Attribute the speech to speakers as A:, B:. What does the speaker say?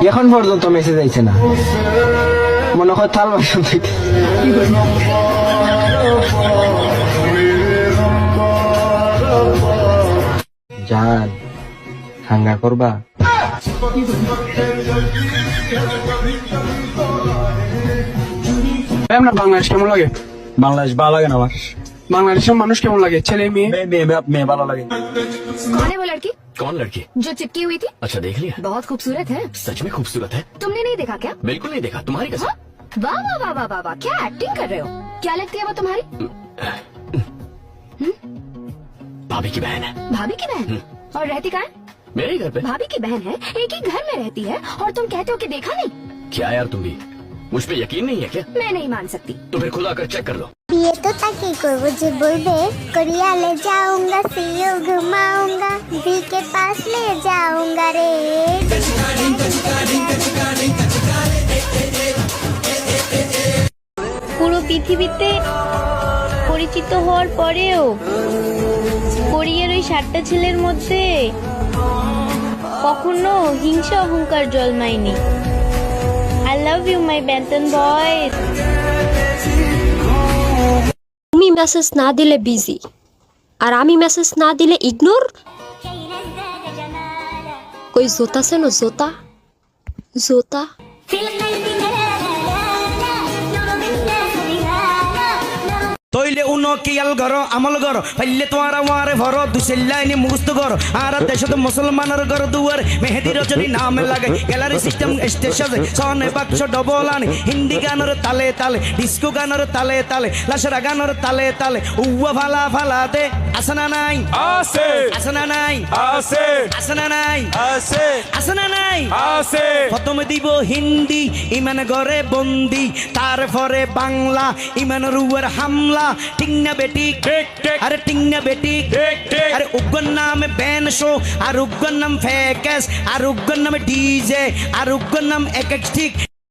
A: এখন পর্যন্ত মেসেজ আইছে না, মনে হয় থাল বাসন থেকে। জান হাঙ্গা করবা?
B: আপনার বাংলাদেশ কেমন লাগে?
C: বাংলাদেশ ভালো লাগে না আমার।
B: বাংলাদেশের মানুষ কেমন লাগে? ছেলে মেয়ে?
C: মেয়ে ভালো লাগে।
D: कौन है वो लड़की
E: कौन लड़की?
D: जो चिपकी हुई थी?
E: अच्छा देख लिया?
D: बहुत खूबसूरत है।
E: सच में खूबसूरत है?
D: तुमने नहीं देखा क्या?
E: बिल्कुल नहीं देखा, तुम्हारी कसम।
D: हाँ? वाह वाह वाह वाह वाह वाह, क्या एक्टिंग कर रहे हो? क्या लगती है वो तुम्हारी?
E: भाभी की बहन है।
D: भाभी की बहन? और रहती कहाँ है?
E: मेरे ही घर पे।
D: भाभी की बहन है, एक ही घर में रहती है, और तुम कहते हो कि देखा नहीं?
E: क्या यार तुम भी, मुझ पे यकीन नहीं है क्या?
D: मैं नहीं मान सकती।
E: तो फिर खुद आकर चेक कर लो।
F: বিয়ে তো তাকে করবো যে বলবে করিয়ালে যাऊंगा সিও ঘুমাऊंगा दी के पास ले जाऊंगा রে।
G: পুরো পৃথিবীতে পরিচিত হওয়ার পরেও কোরিয়ার ওই 7টা ছেলের মধ্যে কখনো হিংসা অহংকার জন্মায়নি। I love you my Bangtan boys.
H: তুমি মেসেজ না দিলে বিজি, আর আমি মেসেজ না দিলে ইগনোর। কই জোতা সেনো জোতা জোতা।
I: তৈলে উনো কিয়াল ঘর আমল ঘর ফাইলে তোমার আমারে ভর দুসেল্লাইনি মুখস্থ ঘর আর দেশত মুসলমানের ঘর দুয়ার মেহেদি রজনী নাম লাগে গ্যালারি সিস্টেম স্টেশন সনে বাক্স ডবল আনি হিন্দি গানের তালে তালে ডিস্কো গানের তালে তালে লাসরা গানের তালে তালে উয়া ফালা ফালা দে আসনা নাই
C: আছে
I: আসনা নাই
C: আছে
I: আসনা নাই
C: আছে
I: আসনা নাই
C: আছে।
I: প্রথমে দিব হিন্দি ইমান ঘরে বন্দি, তারপরে বাংলা ইমান রুয়ার হামলা। ঠিক না বেটি?
C: ঠিক ঠিক
I: আরে ঠিক না বেটি?
C: ঠিক ঠিক।
I: আরে উগ্র নাম ব্যান শো, আর উগ্র নাম ফেকেস, আর উগ্র নাম ডিজে, আর উগ্র নাম এক এক ঠিক।